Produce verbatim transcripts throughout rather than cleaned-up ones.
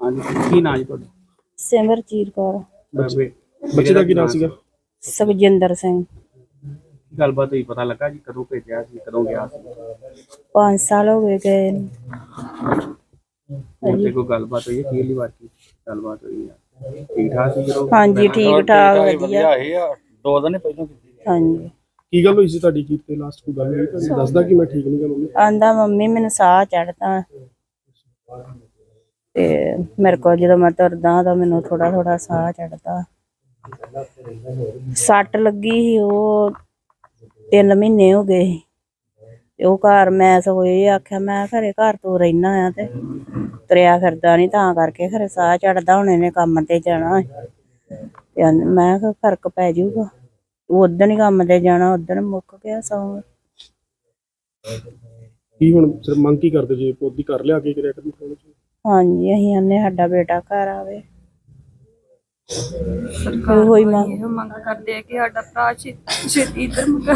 ਹਾਂਜੀ ਕੀ ਨਾਂ ਜੀ ਤੁਹਾਡਾ? ਸਿਮਰਜੀਤ ਕੌਰ। ਬੱਚੇ ਬੱਚੇ ਦਾ ਕੀ ਨਾਂ ਸੀਗਾ? ਸੁਖਜਿੰਦਰ ਸਿੰਘ। ਗੱਲਬਾਤ ਹੋਈ ਪਤਾ ਲੱਗਾ ਜੀ ਕਦੋਂ ਭੇਜਿਆ ਸੀ ਕਦੋਂ ਗਿਆ ਸੀ? ਪੰਜ ਸਾਲ ਹੋ ਗਏ ਗਏ ਨੂੰ। ਹੁਣ ਤੇ ਕੋਈ ਗੱਲਬਾਤ ਹੋਈ ਹੈ ਪਹਿਲੀ ਵਾਰ ਕੀ ਗੱਲਬਾਤ ਹੋਈ ਹੈ? ਠੀਕ ਠਾਕ ਸੀ ਜਦੋਂ? ਹਾਂਜੀ ਠੀਕ ਠਾਕ ਵਧੀਆ। ਦੋ ਦਿਨ ਪਹਿਲਾਂ ਹਾਂਜੀ ਕੀ ਗੱਲ ਹੋਈ ਸੀ ਤੁਹਾਡੀ? ਕੀ ਤੇ ਲਾਸਟ ਕੋਈ ਗੱਲ ਹੋਈ ਤੁਹਾਨੂੰ? ਦੱਸਦਾ ਕਿ ਮੈਂ ਠੀਕ ਨਹੀਂ ਗਾ ਮੰਮੀ। ਆਂਦਾ ਮੰਮੀ ਮੈਨੂੰ ਸਾਹ ਚੜਦਾ ਤੇ ਮੇਰੇ ਕੋਲ ਜਦੋਂ ਮੈਂ ਤੁਰਦਾ ਤਾਂ ਮੈਨੂੰ ਥੋੜਾ ਥੋੜਾ ਸਾਹ ਚੜਦਾ। ਸੱਟ ਲੱਗੀ ਸੀ ਉਹ ਤਿੰਨ ਮਹੀਨੇ ਹੋ ਗਏ ਸੀ ਤੇ ਉਹ ਘਰ ਮੈਂ ਸਗੋਂ ਇਹ ਆਖਿਆ ਮੈਂ ਖਰੇ ਘਰ ਤੋਂ ਰਹਿਣਾ ਆ ਤੇ ਤੁਰਿਆ ਫਿਰਦਾ ਨੀ ਤਾਂ ਕਰਕੇ ਖਰੇ ਸਾਹ ਚੜਦਾ ਹੁਣ ਇਹਨੇ ਕੰਮ ਤੇ ਜਾਣਾ ਤੇ ਮੈਂ ਕਿਹਾ ਫਰਕ ਪੈ ਜਾਊਗਾ। ਉਦਣ ਹੀ ਕੰਮ ਤੇ ਜਾਣਾ ਉਦਣ ਮੁੱਕ ਗਿਆ ਸੌਂ। ਕੀ ਹੁਣ ਸਿਰ ਮੰਗ ਕੀ ਕਰਦੇ ਜੀ? ਪੋਦੀ ਕਰ ਲਿਆ ਕੇ ਕਰਿਆ ਕਰੀ? ਹਾਂਜੀ ਅਸੀਂ ਆਨੇ ਸਾਡਾ ਬੇਟਾ ਘਰ ਆਵੇ। ਸਰਕਾਰ ਹੋਈ ਮੰਗ ਮੰਗ ਕਰਦੇ ਆ ਕਿ ਸਾਡਾ ਭਰਾ ਛੇਤੀ ਇੱਧਰ ਮੁਕਾ।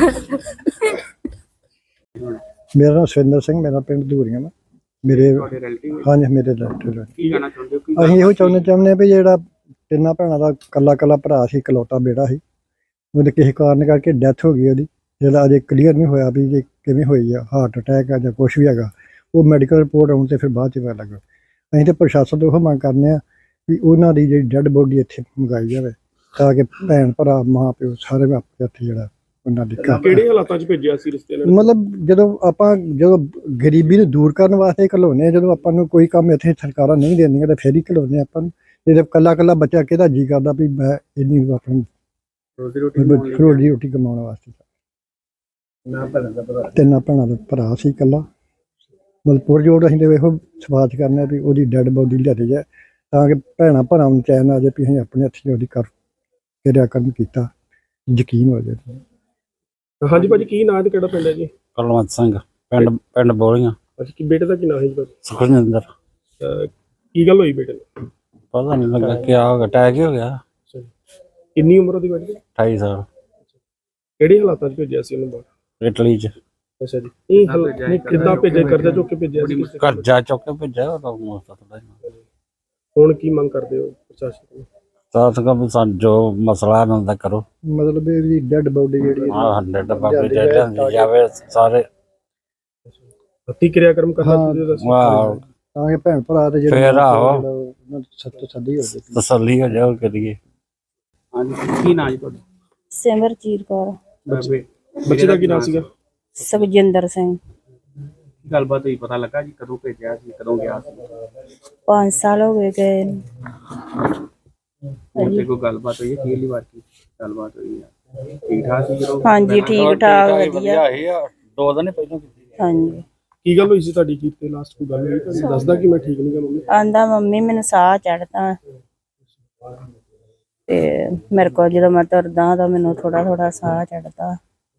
ਮੇਰਾ ਨਾਮ ਸੁਰਿੰਦਰ ਸਿੰਘ, ਮੇਰਾ ਪਿੰਡ ਧੂਰੀਆਂ ਵਾ। ਮੇਰੇ ਤੁਹਾਡੇ ਰਿਲੇਟਿਵ ਹਾਂਜੀ ਮੇਰੇ ਰਿਲੇਟਿਵ। ਕੀ ਕਹਿਣਾ ਚਾਹੁੰਦੇ ਹੋ? ਕੀ ਅਸੀਂ ਇਹੋ ਚਾਹੁੰਦੇ ਚਾਹੁੰਦੇ ਹਾਂ ਵੀ ਜਿਹੜਾ ਤਿੰਨਾਂ ਭੈਣਾਂ ਦਾ ਕੱਲਾ ਕੱਲਾ ਭਰਾ ਸੀ, ਇਕਲੌਤਾ ਬੇਟਾ ਸੀ, ਉਹਦੇ ਕਿਸੇ ਕਾਰਨ ਕਰਕੇ ਡੈਥ ਹੋ ਗਈ ਉਹਦੀ। ਜਿਹੜਾ ਅਜੇ ਕਲੀਅਰ ਨਹੀਂ ਹੋਇਆ ਵੀ ਜੇ ਕਿਵੇਂ ਹੋਈ ਆ, ਹਾਰਟ ਅਟੈਕ ਆ ਜਾਂ ਕੁਛ ਵੀ ਹੈਗਾ। ਉਹ ਮੈਡੀਕਲ ਰਿਪੋਰਟ ਆਉਣ ਤੇ ਫਿਰ ਬਾਅਦ 'ਚ ਪਤਾ ਲੱਗਾ। ਅਸੀਂ ਤਾਂ ਪ੍ਰਸ਼ਾਸਨ ਤੋਂ ਉਹ ਮੰਗ ਕਰਨੇ ਆ ਵੀ ਉਹਨਾਂ ਦੀ ਜਿਹੜੀ ਡੈਡ ਬੋਡੀ ਇੱਥੇ ਮੰਗਾਈ ਜਾਵੇ ਤਾਂ ਕਿ ਭੈਣ ਭਰਾ ਮਾਂ ਪਿਓ ਸਾਰੇ ਆਪਣੇ ਇੱਥੇ ਜਿਹੜਾ ਉਹਨਾਂ ਦੀ ਘਰ। ਕਿਹੜੇ ਹਾਲਾਤਾਂ 'ਚ ਭੇਜਿਆ ਸੀ ਰਿਸ਼ਤੇ ਨਾਲ? ਮਤਲਬ ਜਦੋਂ ਆਪਾਂ ਜਦੋਂ ਗਰੀਬੀ ਨੂੰ ਦੂਰ ਕਰਨ ਵਾਸਤੇ ਘਲਾਉਂਦੇ ਹਾਂ, ਜਦੋਂ ਆਪਾਂ ਨੂੰ ਕੋਈ ਕੰਮ ਇੱਥੇ ਸਰਕਾਰਾਂ ਨਹੀਂ ਦਿੰਦੀਆਂ ਤਾਂ ਫਿਰ ਹੀ ਘਲਾਉਂਦੇ ਆਪਾਂ ਨੂੰ। ਜਦੋਂ ਕੱਲਾ ਕੱਲਾ ਬੱਚਾ ਕਿਹਦਾ ਜੀ ਕਰਦਾ ਵੀ ਮੈਂ ਇੰਨੀ ਆਪਣੀ ਰੋਜ਼ੀ ਰੋਟੀ ਰੋਜੀ ਰੋਟੀ ਕਮਾਉਣ ਵਾਸਤੇ। ਤਿੰਨਾਂ ਭੈਣਾਂ ਦਾ ਭਰਾ ਸੀ ਇਕੱਲਾ। ਮਤਲਬ ਪੁਰਜੋੜ ਅਸੀਂ ਤਾਂ ਵੇਖੋ ਸਵਾਚ ਕਰਨਾ ਵੀ ਉਹਦੀ ਡੈਡ ਬੋਡੀ ਲਿਆਦੀ ਜਾਏ ਤਾਂ ਕਿ ਭੈਣਾਂ ਭਰਾਵਾਂ ਨੂੰ ਚੈਨ ਆ ਜਾਏ ਵੀ ਅਸੀਂ ਆਪਣੇ ਹੱਥੀਂ ਉਹਦੀ ਕਰ ਕਿਰਿਆ ਕਰਮ ਕੀਤਾ, ਯਕੀਨ ਹੋ ਜਾਏ। ਹਾਂਜੀ ਭਾਜੀ ਕੀ ਨਾਂ ਤੇ ਕਿਹੜਾ ਪਿੰਡ ਹੈ ਜੀ? ਕੁਲਵੰਤ ਸਿੰਘ, ਪਿੰਡ ਪਿੰਡ ਬੋਲੀਆਂ। ਅੱਛਾ ਕੀ ਬੇਟੇ ਦਾ ਕੀ ਨਾਂ ਹੈ ਜੀ? ਸੁਖਜਿੰਦਰ। ਕੀ ਗੱਲ ਹੋਈ ਬੇਟੇ ਨੂੰ? ਪਤਾ ਨਹੀਂ ਲੱਗਾ ਕੀ ਹੋ ਗਿਆ, ਅਟੈਕ ਹੀ ਹੋ ਗਿਆ। ਕਿੰਨੀ ਉਮਰ ਉਹਦੀ ਬੇਟੇ ਦੀ? ਅਠਾਈ ਸਾਲ। ਕਿਹੜੇ ਹਾਲਾਤਾਂ 'ਚ ਭੇਜਿਆ ਸੀ ਉਹਨੂੰ ਬਾਹਰ? ਇਟਲੀ ਚ। ਅੱਛਾ ਜੀ ਇਹ ਕਿੱਦਾਂ ਭੇਜਿਆ? ਕਰਜ਼ਾ ਚੁੱਕ ਕੇ ਭੇਜਿਆ ਸੀ? ਕਰਜ਼ਾ ਚੁੱਕ ਕੇ ਭੇਜਿਆ। ਹੁਣ ਕੀ ਮੰਗ ਕਰਦੇ ਹੋ ਪ੍ਰਸ਼ਾਸਨ ਤੋਂ? ਸਾਥ ਕਮ ਜੋ ਮਸਲਾ ਹੁੰਦਾ ਕਰੋ। ਮਤਲਬ ਇਹਦੀ ਡੈਡ ਬੋਡੀ ਜਿਹੜੀ ਹਾਂ ਹੰਡਰਡ ਬਾਬੇ ਜਾਂਦੀ ਜਾਵੇ ਸਾਰੇ ਹੱਥੀਂ ਕਿਰਿਆ ਕਰਮ ਕਰਨਾ ਚਾਹੀਦਾ ਵਾਹ ਤਾਂ ਕਿ ਭੈਣ ਭਰਾ ਤੇ ਜਿਹੜੇ ਫੇਰ ਆਹੋ ਸੱਤ ਸੱਦੀ ਹੋ ਜਾਏ, ਤਸੱਲੀ ਹੋ ਜਾਓ ਕਰੀਏ। ਹਾਂਜੀ ਕੀ ਨਾਂ ਜੀ ਤੁਹਾਡਾ? ਸਿਮਰਜੀਤ ਕੌਰ। ਬੱਚੇ ਬੱਚੇ ਦਾ ਕੀ ਨਾਂ ਸੀਗਾ? ਸੁਖਜਿੰਦਰ ਸਿੰਘ। ਗੱਲਬਾਤ ਹੋਈ ਪਤਾ ਲੱਗਾ ਜੀ ਕਦੋਂ ਭੇਜਿਆ ਸੀ ਕਦੋਂ ਗਿਆ ਸੀ? ਪੰਜ ਸਾਲ ਹੋ ਗਏ ਗਏ ਨੂੰ। ਹੁਣ ਤੇ ਕੋਈ ਗੱਲਬਾਤ ਹੋਈ ਹੈ ਪਹਿਲੀ ਵਾਰ ਕੀ ਗੱਲਬਾਤ ਹੋਈ ਹੈ? ਠੀਕ ਠਾਕ ਸੀ ਜਦੋਂ? ਹਾਂਜੀ ਠੀਕ ਠਾਕ ਵਧੀਆ। ਦੋ ਦਿਨ ਪਹਿਲਾਂ ਹਾਂਜੀ ਕੀ ਗੱਲ ਹੋਈ ਸੀ ਤੁਹਾਡੀ? ਕੀ ਤੇ ਲਾਸਟ ਕੋਈ ਗੱਲ ਹੋਈ ਤੁਹਾਨੂੰ? ਦੱਸਦਾ ਕਿ ਮੈਂ ਠੀਕ ਨਹੀਂ ਗਾ ਮੰਮੀ। ਆਂਦਾ ਮੰਮੀ ਮੈਨੂੰ ਸਾਹ ਚੜਦਾ ਤੇ ਮੇਰੇ ਕੋਲ ਜਦੋਂ ਮੈਂ ਤੁਰਦਾ ਤਾਂ ਮੈਨੂੰ ਥੋੜਾ ਥੋੜਾ ਸਾਹ ਚੜਦਾ।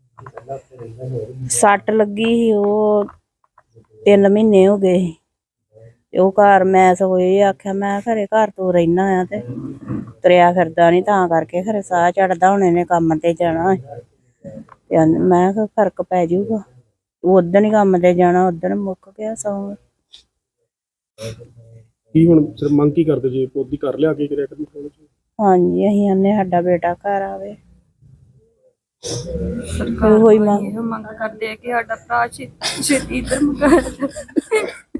ਸੱਟ ਲੱਗੀ ਸੀ ਉਹ ਤਿੰਨ ਮਹੀਨੇ ਹੋ ਗਏ ਸੀ ਤੇ ਉਹ ਘਰ ਮੈਂ ਸਗੋਂ ਇਹ ਆਖਿਆ ਮੈਂ ਖਰੇ ਘਰ ਤੋਂ ਰਹਿਣਾ ਆ ਤੇ ਤੁਰਿਆ ਫਿਰਦਾ ਨੀ ਤਾਂ ਕਰਕੇ ਖਰੇ ਸਾਹ ਚੜਦਾ ਹੁਣ ਇਹਨੇ ਕੰਮ ਤੇ ਜਾਣਾ ਤੇ ਮੈਂ ਕਿਹਾ ਫਰਕ ਪੈ ਜਾਊਗਾ। ਉਦਣ ਹੀ ਕੰਮ ਤੇ ਜਾਣਾ ਉਦਣ ਮੁੱਕ ਗਿਆ ਸੌਂ। ਕੀ ਹੁਣ ਸਿਰ ਮੰਗ ਕੀ ਕਰਦੇ ਜੀ? ਪੋਦੀ ਕਰ ਲਿਆ ਕੇ ਕਰਿਆ ਕਰੀ? ਹਾਂਜੀ ਅਸੀਂ ਆਨੇ ਸਾਡਾ ਬੇਟਾ ਘਰ ਆਵੇ। ਸਰਕਾਰ ਹੋਈ ਮੰਗ ਕਰਦੇ ਆ ਕਿ ਸਾਡਾ ਭਰਾ ਛੇਤੀ ਇੱਧਰ ਮੁਕਾ।